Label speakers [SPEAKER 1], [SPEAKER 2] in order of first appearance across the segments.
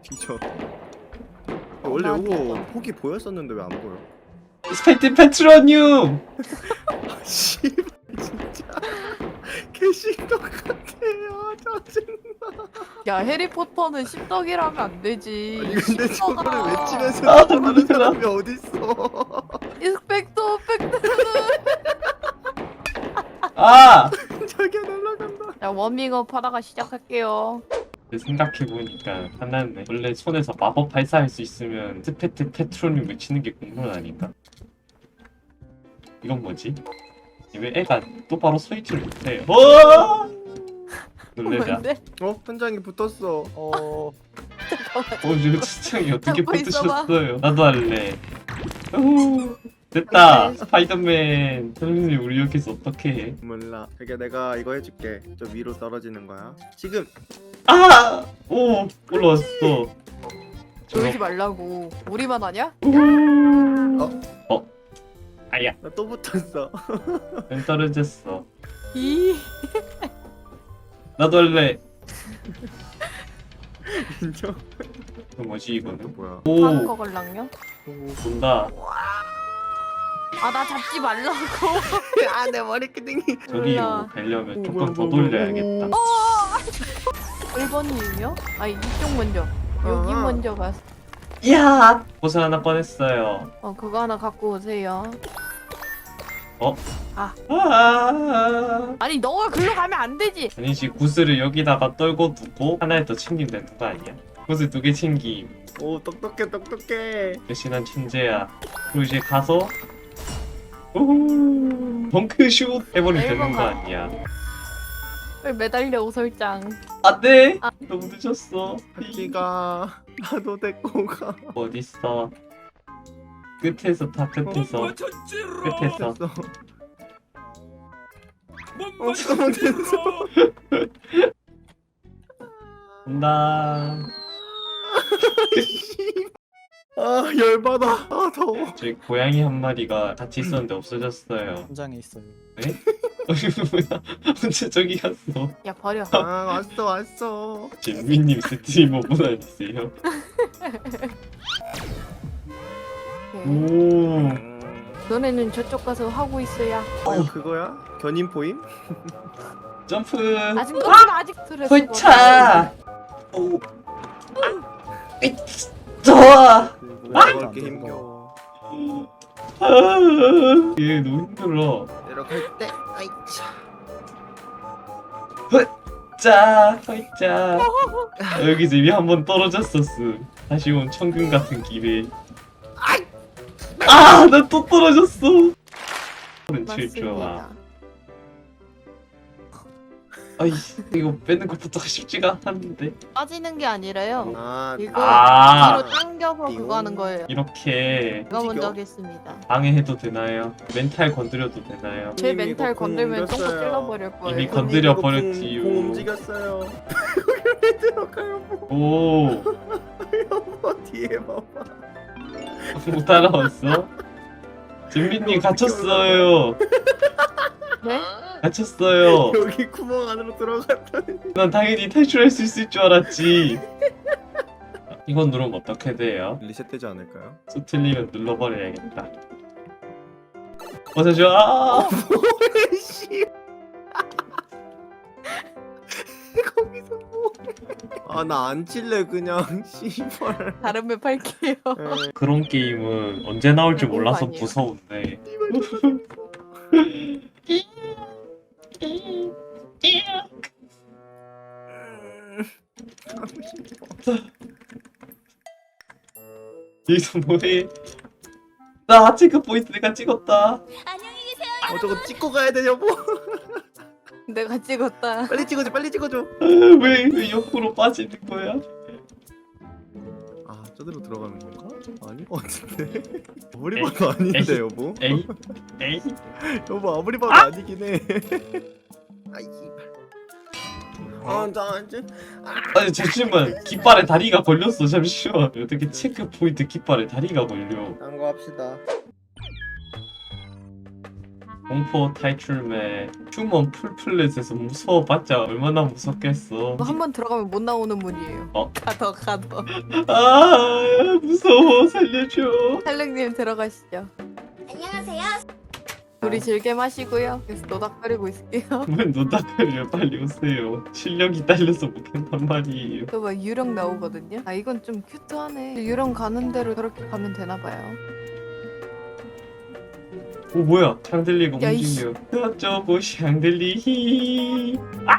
[SPEAKER 1] 뒤져. 원래 이거 폭이 보였었는데 왜 안 보여?
[SPEAKER 2] 스펙트 페트로늄!
[SPEAKER 1] 씨발 진짜 개신떡 같아요. 짜증나.
[SPEAKER 3] 야 해리포터는 십덕이라면 안 되지.
[SPEAKER 1] 아니 근데 저거를
[SPEAKER 3] 십덕아.
[SPEAKER 1] 외치면서
[SPEAKER 2] 아,
[SPEAKER 1] 하는
[SPEAKER 2] 놀라.
[SPEAKER 1] 사람이 어딨어?
[SPEAKER 3] 인스펙터 팩트.
[SPEAKER 2] 아!
[SPEAKER 1] 자기야 날라간다.
[SPEAKER 3] 자 워밍업 하다가 시작할게요.
[SPEAKER 2] 생각해보니까 하나는 원래 손에서 마법 발사할 수 있으면 스펙트 페트로늄 외치는 게 공론 아닌가? 이건 뭐지? 왜 애가 똑바로 서 있지를 못해? 놀래라.
[SPEAKER 3] 뭔데?
[SPEAKER 1] 현장에 붙었어.
[SPEAKER 2] 이거 시청이 어떻게
[SPEAKER 3] 잡고 있어봐.
[SPEAKER 2] 붙으셨어요? 나도 할래. 우, 됐다. 스파이더맨. 선생님 우리 여기서 어떻게 해?
[SPEAKER 1] 몰라. 그게 내가 이거 해줄게. 저 위로 떨어지는 거야. 지금.
[SPEAKER 2] 아! 오! 올라왔어.
[SPEAKER 3] 놀지 말라고. 우리만 하냐?
[SPEAKER 2] 아야.
[SPEAKER 1] 나 또 붙었어.
[SPEAKER 2] 난 떨어졌어.
[SPEAKER 3] 이.
[SPEAKER 2] 나도 할래.
[SPEAKER 1] 인정.
[SPEAKER 2] 이거 뭐지 이거는?
[SPEAKER 1] 뭐야?
[SPEAKER 3] 하는 거
[SPEAKER 2] 오!
[SPEAKER 3] 걸랑요?
[SPEAKER 2] 본다.
[SPEAKER 3] 아 나 잡지 말라고.
[SPEAKER 1] 아내 머리끄댕이.
[SPEAKER 2] 저기로
[SPEAKER 3] 몰라.
[SPEAKER 2] 가려면 조금 더 돌려야겠다.
[SPEAKER 3] 1번이요? 아 이쪽 먼저. 여기
[SPEAKER 1] 아.
[SPEAKER 3] 먼저 가서.
[SPEAKER 2] 야! 옷을 하나 꺼냈어요.
[SPEAKER 3] 그거 하나 갖고 오세요.
[SPEAKER 2] 아!
[SPEAKER 3] 아니 너가 글로 가면 안 되지.
[SPEAKER 2] 아니지, 구슬을 여기다가 떨고 두고 하나를 더 챙기면 되는 거 아니야? 구슬 2개 챙김.
[SPEAKER 1] 오 똑똑해 똑똑해.
[SPEAKER 2] 대신한 천재야. 그리고 이제 가서 우후 덩크슛 해버리면 되는 거 아니야?
[SPEAKER 3] 왜 매달려 오설장.
[SPEAKER 2] 안돼!
[SPEAKER 3] 아.
[SPEAKER 2] 너무 늦었어.
[SPEAKER 1] 하지가 나도 데리고 가.
[SPEAKER 2] 어딨어? 끝에서 다 끝에서. 끝에서.
[SPEAKER 1] 됐어. 너무 됐어.
[SPEAKER 2] 온다.
[SPEAKER 1] 아 열받아. 아 더워.
[SPEAKER 2] 저희 고양이 한 마리가 같이 있었는데 없어졌어요.
[SPEAKER 4] 현장에 있어요.
[SPEAKER 2] 네? 뭐야? 언제 저기 갔어?
[SPEAKER 3] 야 버려.
[SPEAKER 1] 아 왔어.
[SPEAKER 2] 진미님 스트리머분 아니세요? 오.
[SPEAKER 3] 너네는 저쪽 가서 하고 있어야.
[SPEAKER 1] 이거 그거야? 견인 포임?
[SPEAKER 2] 점프.
[SPEAKER 3] 아직 너는 아직 스트레스.
[SPEAKER 2] 홀차. 오. 좋아.
[SPEAKER 1] 올라갈 게 힘겨워.
[SPEAKER 2] 얘 너무 힘들어.
[SPEAKER 1] 내려갈 때 아이차.
[SPEAKER 2] 자, 홀짜. 여기서 이미 한 번 떨어졌었어. 다시 온 천금 같은 기회. 아, 나 또 떨어졌어. 칠 좋아.
[SPEAKER 3] 맞습니다.
[SPEAKER 2] 아이, 이거 빼는 것부터가 쉽지가 않았는데.
[SPEAKER 3] 빠지는 게 아니라요.
[SPEAKER 1] 아
[SPEAKER 3] 이거
[SPEAKER 2] 아.
[SPEAKER 3] 뒤로 당겨서 그거 하는 거예요.
[SPEAKER 2] 이렇게
[SPEAKER 3] 제가 먼저
[SPEAKER 1] 움직여?
[SPEAKER 3] 하겠습니다.
[SPEAKER 2] 방해해도 되나요? 멘탈 건드려도 되나요?
[SPEAKER 3] 제
[SPEAKER 1] 이미
[SPEAKER 3] 멘탈
[SPEAKER 1] 이거 공
[SPEAKER 3] 건들면 똥꼬
[SPEAKER 1] 옮겼어요.
[SPEAKER 3] 찔러버릴 거예요.
[SPEAKER 2] 이미 건드려
[SPEAKER 1] 이거
[SPEAKER 2] 버렸지요.
[SPEAKER 1] 공 움직였어요. 거기 왜 들어가요?
[SPEAKER 2] 오,
[SPEAKER 1] 여보 뒤에 봐봐.
[SPEAKER 2] 못 따라왔어? 진미님 갇혔어요.
[SPEAKER 3] 네?
[SPEAKER 2] 갇혔어요.
[SPEAKER 1] 여기 구멍 안으로 들어갔다니.
[SPEAKER 2] 난 당연히 탈출할 수 있을 줄 알았지. 이건 누르면 어떻게 돼요?
[SPEAKER 1] 리셋되지 않을까요?
[SPEAKER 2] 수 틀리면 눌러버려야겠다. 어서 줘.
[SPEAKER 1] 씨. 거기서 뭐? 아나 안 칠래 그냥 씨발.
[SPEAKER 3] 다른 맵 할게요.
[SPEAKER 2] 그런 게임은 언제 나올지 몰라서
[SPEAKER 3] 아니에요.
[SPEAKER 2] 무서운데. 여기서 뭐해? 나 체크 포인트 내가 찍었다.
[SPEAKER 1] 저거 찍고 가야 돼 여보.
[SPEAKER 3] 내가 찍었다.
[SPEAKER 1] 빨리 찍어줘.
[SPEAKER 2] 왜 옆으로 빠지는 거야?
[SPEAKER 1] 아 저대로 들어가는 건가? 아닌 것 같은데. 아무리 봐도 아닌데 여보.
[SPEAKER 2] 에이 에이.
[SPEAKER 1] 여보 아무리 봐도 아니긴 해. 아이 씨발. 나 이제
[SPEAKER 2] 아니 잠시만, 깃발에 다리가 걸렸어. 잠시만. 어떻게 체크 포인트 깃발에 다리가 걸려?
[SPEAKER 1] 딴거 합시다.
[SPEAKER 2] 공포 탈출매 휴먼 풀플랫에서 무서워봤자 얼마나 무섭겠어.
[SPEAKER 3] 한 번 들어가면 못 나오는 문이에요. 가더.
[SPEAKER 2] 아 무서워 살려줘.
[SPEAKER 3] 살릉님 들어가시죠.
[SPEAKER 4] 안녕하세요.
[SPEAKER 3] 우리 즐겨 마시고요. 계속 노닥거리고 있을게요.
[SPEAKER 2] 왜 노닥거려 빨리 오세요. 실력이 딸려서 못한단 말이에요.
[SPEAKER 3] 또 막 유령 나오거든요. 아 이건 좀 큐트하네. 유령 가는 대로 저렇게 가면 되나 봐요.
[SPEAKER 2] 오 뭐야 샹들리가
[SPEAKER 3] 야, 이씨.
[SPEAKER 2] 움직여. 어쩌고 샹들리.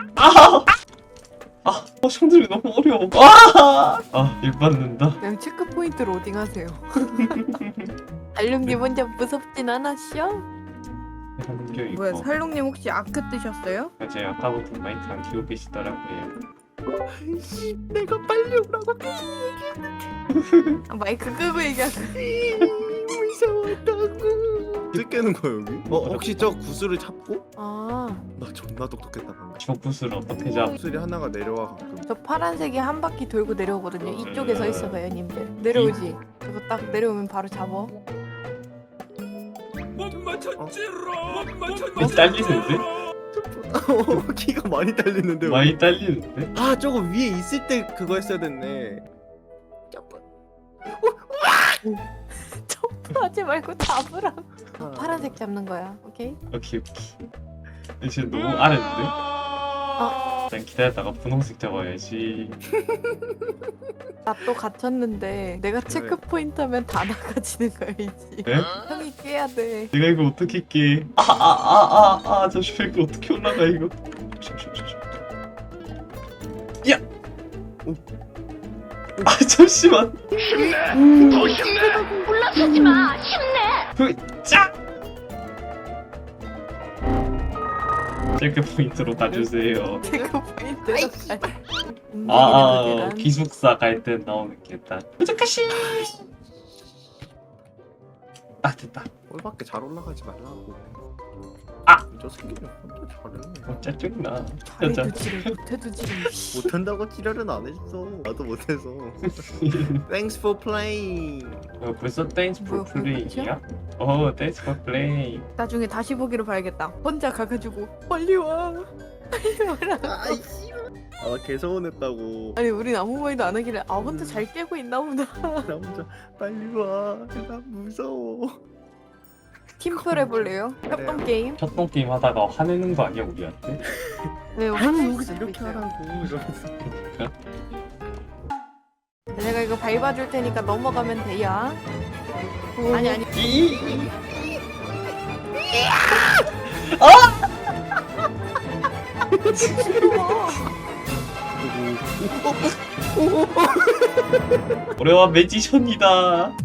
[SPEAKER 2] 샹들리 너무 어려워. 일 받는다.
[SPEAKER 3] 그냥 체크 포인트 로딩하세요. 알룽님 혼자 무섭진 않았죠?
[SPEAKER 2] 하는 게 있고.
[SPEAKER 3] 뭐야 살롱님 혹시 아크 뜨셨어요?
[SPEAKER 2] 제가 아까부터 마이크 안 키우고 계시더라고요.
[SPEAKER 1] 아이씨, 내가 빨리 오라고
[SPEAKER 3] 아, 마이크 끄고 얘기하고.
[SPEAKER 1] 무서웠다고. 어떻게 깨는 거야 여기? 혹시 저 구슬을 잡고?
[SPEAKER 3] 아,
[SPEAKER 1] 나 존나 똑똑했다 방금.
[SPEAKER 2] 저 구슬 어떻게 잡?
[SPEAKER 1] 구슬이 하나가 내려와 가끔.
[SPEAKER 3] 저 파란색이 한 바퀴 돌고 내려오거든요. 이쪽에 서 있어봐요, 님들. 내려오지. 저거 딱 내려오면 바로 잡어.
[SPEAKER 2] 딸리는데?
[SPEAKER 1] 키가 많이 딸리는데.
[SPEAKER 2] 많이 딸리는데?
[SPEAKER 1] 아 저거 위에 있을 때 그거 했어야 됐네.
[SPEAKER 3] 점프하지 말고 잡으라고. 파란색 잡는 거야, 오케이?
[SPEAKER 2] 오케이. 지금 너무 아는데? 일단 기다렸다가 분홍색 잡아야지.
[SPEAKER 3] 나 또 갇혔는데 내가 체크 포인트 하면 다 나가지는 거야, 이제.
[SPEAKER 2] 네?
[SPEAKER 3] 형이 깨야 돼.
[SPEAKER 2] 내가 이거 어떻게 깨? 잠시만 이거 어떻게 올라가 이거? 야! 잠시만.
[SPEAKER 4] 더 힘내. 물러서지 마. 힘내.
[SPEAKER 2] 짜! 체크 포인트로 가주세요.
[SPEAKER 3] 체크 포인트로 가.
[SPEAKER 2] 기숙사 갈 때 나오는 계단. 부족하시. 됐다.
[SPEAKER 1] 꼴밖에 잘 올라가지 말라고. 저 새끼는 혼자 잘해.
[SPEAKER 2] 짜증나.
[SPEAKER 3] 잘해도 지를 못해도 지를.
[SPEAKER 1] 못한다고 지랄은 안 했어. 나도 못해서. Thanks for playing.
[SPEAKER 2] 벌써 댄스
[SPEAKER 3] 뭐야,
[SPEAKER 2] for play이야?
[SPEAKER 3] 그거
[SPEAKER 2] 댄스 for play.
[SPEAKER 3] 나중에 다시 보기로 봐야겠다. 혼자 가가지고 빨리 와. 빨리 와라.
[SPEAKER 1] 아이씨. 개서운했다고.
[SPEAKER 3] 아니 우린 아무 말도 안 하길래 혼자 잘 깨고 있나 보다.
[SPEAKER 1] 나 혼자 빨리 와. 나 무서워.
[SPEAKER 3] 팀플 해볼래요? 협동 게임?
[SPEAKER 2] 첫동 게임 하다가 화내는 거 아니야 우리한테?
[SPEAKER 3] 네,
[SPEAKER 1] 아니 여기서 이렇게 하라고. 이러면서.
[SPEAKER 3] 내가 이거 밟아줄 테니까 넘어가면 돼요. 아니.
[SPEAKER 2] 올해와 매지션이다.